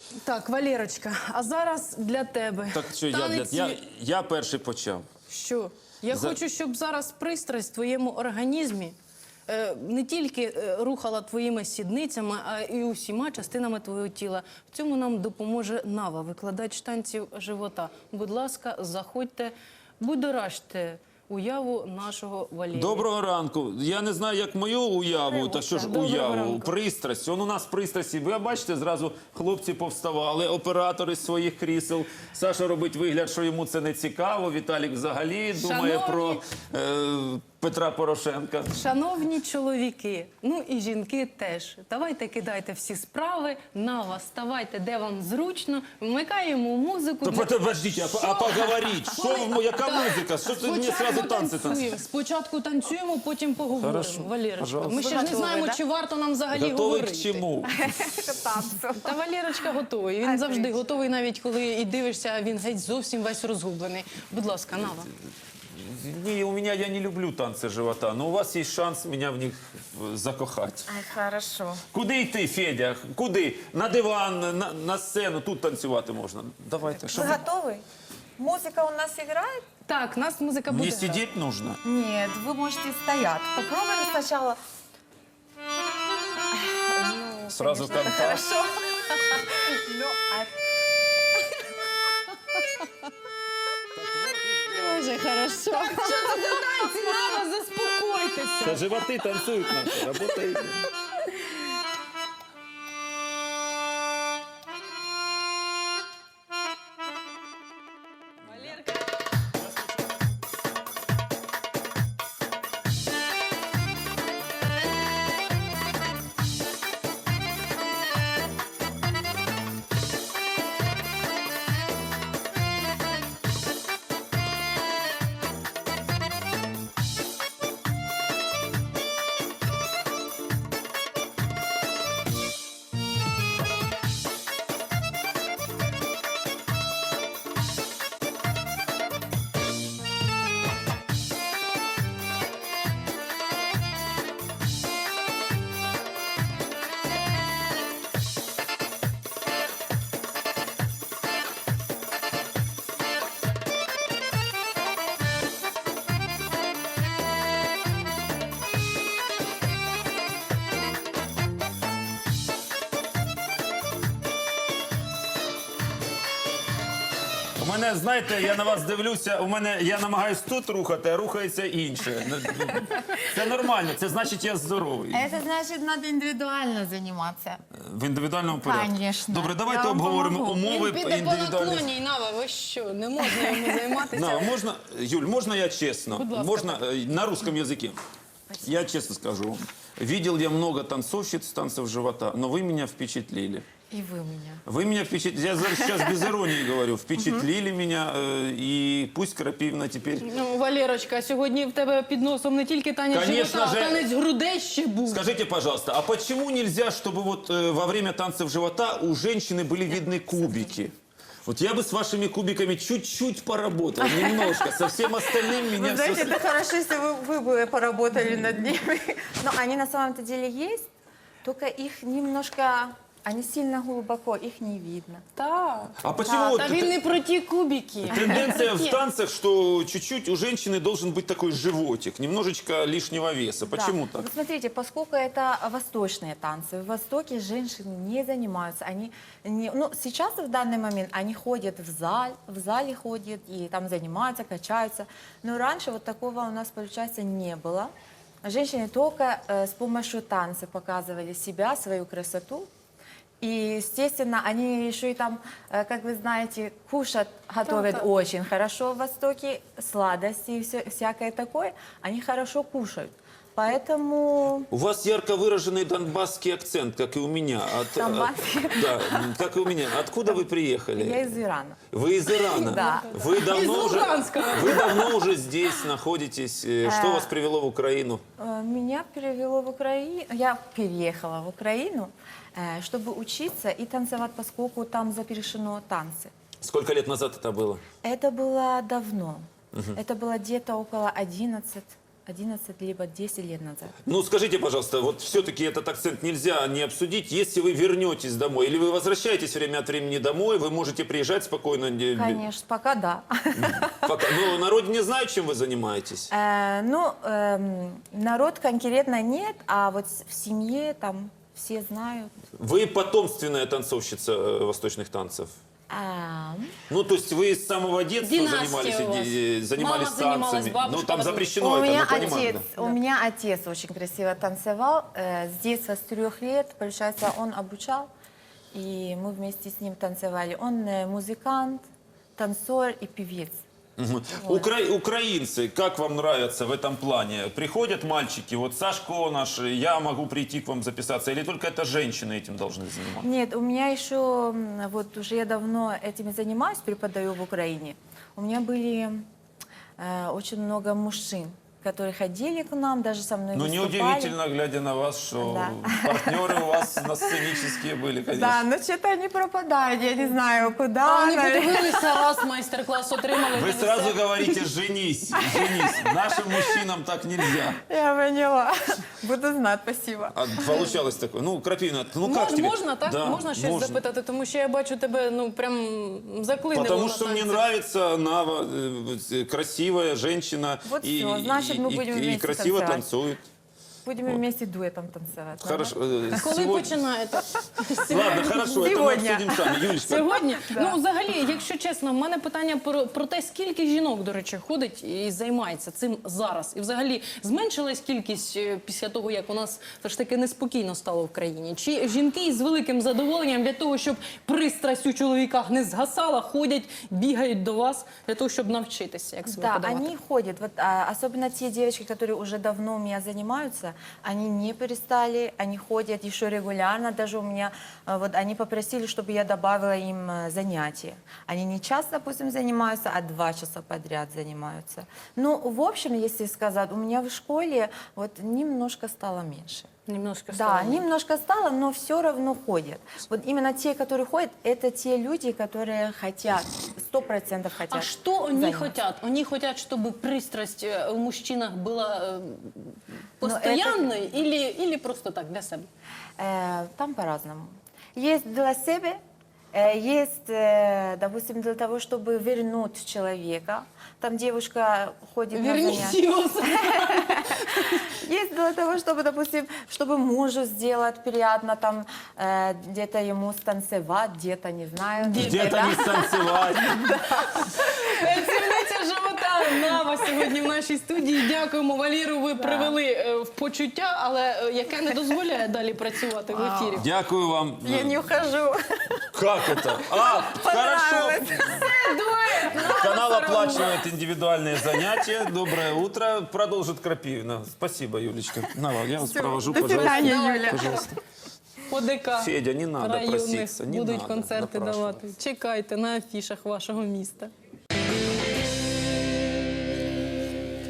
Так, Валерочка, а зараз для тебе. Так що я перший почав. Що? Я хочу, щоб зараз пристрасть в твоєму організмі не тільки рухала твоїми сідницями, а і усіма частинами твого тіла. В цьому нам допоможе Нава, викладач танців живота. Будь ласка, заходьте, будоражте уяву нашого Валерія. Доброго ранку. Я не знаю, як мою уяву, та що ж уяву, пристрасть. Он у нас пристрасті. Ви бачите, зразу хлопці повставали, оператори з своїх крісел. Саша робить вигляд, що йому це не цікаво. Віталік взагалі думає про Петра Порошенка. Шановні чоловіки, ну і жінки теж. Давайте кидайте всі справи, Нава, ставайте, де вам зручно, вмикаємо музику. Подождіть, а поговоріть, яка музика? Що ти мені одразу танці танцюєш? Спочатку танцюємо, потім поговоримо. Хорошо, Валерочка, ми пожалуйста. ще ж не знаємо, чи варто нам взагалі Готовий говорити. к чому? Та Валерочка готовий. Він завжди готовий, навіть коли і дивишся, він геть зовсім весь розгублений. Будь ласка, Нава. Не, я не люблю танцы живота, но у вас есть шанс меня в них закохать. Ай, хорошо. Куди йти, Федя? Куди? На диван, на сцену, тут танцювати можна. Давайте. Вы готовы? Музыка у нас играет? Так, нас музика буде. Мне сидеть нужно? Нет, вы можете стоять. Попробуем сначала. Сразу контакт. Хорошо. Ну, Дуже хорошо. Що це за танці, Нава, заспокойтеся. Та животи танцюють наші, работають. У мене, знаєте, я на вас дивлюся, я намагаюсь тут рухати, а рухається інше. Це нормально, це значить я здоровий. это значит, надо индивидуально заниматься. В індивідуальному порядку. Конечно. Добре, давайте Я вам обговоримо помогу. умови Він піде по індивідуальних. наклоні, Нава, ви що, не можна йому займатися? На, можно, Юль, можно я честно? Будь ласка. Можно на русском языке? Я честно скажу вам. Видел я много танцовщиц танцев живота, но вы меня впечатлили. И вы меня. Вы меня впечатлили, я сейчас без иронии говорю, впечатлили меня, и пусть Крапивна теперь... Ну, Валерочка, сьогодні в тебе під носом не тільки танець Конечно живота, а же. танець грудей ще був. Скажите, пожалуйста, а почему нельзя, чтобы вот во время танцев живота у женщины были видны кубики? Вот я бы с вашими кубиками чуть-чуть поработал, немножко, со всем остальным меня... Вы знаете, это хорошо, если вы бы поработали над ними. Но они на самом-то деле есть, только их немножко... Они сильно глубоко, их не видно. Так. А почему вот Та він не про ті кубики. тенденция в танцах, что чуть-чуть у женщины должен быть такой животик, немножечко лишнего веса? Почему Да. так? Вот смотрите, поскольку это восточные танцы, в Востоке женщины не занимаются. Они не, ну, сейчас в данный момент они ходят в зале ходят и там занимаются, качаются. Но раньше вот такого у нас, получается, не было. Женщины только с помощью танца показывали себя, свою красоту. И, естественно, они еще и там, как вы знаете, кушать готовят очень хорошо в Востоке, сладости и всякое такое. Они хорошо кушают. Поэтому... У вас ярко выраженный донбасский акцент, как и у меня. Донбасский? Да, как и у меня. Откуда вы приехали? Я из Ирана. Вы из Ирана? Да. Вы давно Из Луганска. вы давно уже здесь находитесь. Что вас привело в Украину? Меня перевело в Украину, я переехала в Украину, чтобы учиться и танцевать, поскольку там запрещено танцы. Сколько лет назад это было? Это было давно. Это было где-то около 11 либо 10 лет назад. Ну, скажите, пожалуйста, вот все-таки этот акцент нельзя не обсудить. Если вы вернетесь домой или вы возвращаетесь время от времени домой, вы можете приезжать спокойно. Конечно, пока да. Но на родине знают, чем вы занимаетесь? Народ конкретно нет, а вот в семье там все знают. Вы потомственная танцовщица восточных танцев? Ну, то есть вы с самого детства Династия занимались у вас. Мама занималась, танцами? бабушка Ну, там потом. запрещено У это, меня, мы понимаем. у меня отец очень красиво танцевал. С детства, с 3 лет, получается, он обучал, и мы вместе с ним танцевали. Он музыкант, танцор и певец. Мгм. Украинцы, как вам нравятся в этом плане? Приходят мальчики, вот Сашко наш, я могу прийти к вам записаться, или только это женщины этим должны заниматься? Нет, у меня еще, вот уже я давно этим занимаюсь, преподаю в Украине. У меня были очень много мужчин, которые ходили к нам, даже со мной Ну, выступали. неудивительно, глядя на вас, что партнеры у вас на сценические были, конечно. Да, но что-то они пропадают, я не знаю, куда. А вони наверное. подивилися, раз майстер-клас отримали. Вы то сразу все. говорите, женись, женись. Нашим мужчинам так нельзя. Я поняла. Буду знать, спасибо. А получалось такое. Ну, Крапивина, ну как тебе? Можна, так? Да, Можна щось можно. запитати, тому що я бачу тебе, ну, прям заклинило. Потому на что мне танці. нравится она красивая женщина Вот и, всё, значит, мы будем и вместе красиво танцевать. танцует. Будем вместе дуэтом танцевать. Хорошо. Коли Сегодня- починаєте? Ладно, хорошо, это мы Сегодня. обсудим сами. Юлечка, Сьогодні? Ну, взагалі, якщо чесно, в мене питання про те, скільки жінок, до речі, ходить і займається цим зараз. І взагалі, зменшилась кількість після того, як у нас все ж таки неспокійно стало в країні? Чи жінки з великим задоволенням для того, щоб пристрасть у чоловіках не згасала, ходять, бігають до вас для того, щоб навчитися, як себе Да, подавати? они ходят. Вот, особенно те девочки, которые уже давно у меня занимаются, они не перестали, они ходят еще регулярно. Даже у меня, вот они попросили, чтобы я добавила им занятия. Они не час, допустим, занимаются, а 2 часа подряд занимаются. Ну, в общем, если сказать, у меня в школе вот немножко стало меньше. Немножко Да, стало. немножко стало, но все равно ходят. Вот именно те, которые ходят, это те люди, которые хотят, 100% хотят. А что они заниматься. хотят? Они хотят, чтобы пристрасть у мужчинах была Ну, постоянной или просто так, для себя? Там по-разному. Есть для себя, есть, допустим, для того, чтобы вернуть человека. Там девушка ходит на занятия. Верните его. Есть для того, чтобы, допустим, чтобы мужу сделать приятно, там где-то ему станцевать, где-то, не знаю. где-то не станцевать. Танцівниця живота Нава сьогодні в нашій студії. Дякуємо, Валеру. Ви привели в почуття, але яке не дозволяє далі працювати в ефірі. Дякую вам. Я не ухожу. Как это? А, хорошо. Канал оплачивает индивидуальные занятия. Доброе утро. Продолжит Крапивина. Спасибо, Юлечка. На, я вас провожу, До пожалуйста. свидания, Юля. Пожалуйста. По ДК Федя, не надо районних проситься, не будуть надо концерти напрашиваться. давати. Чекайте на афішах вашого міста.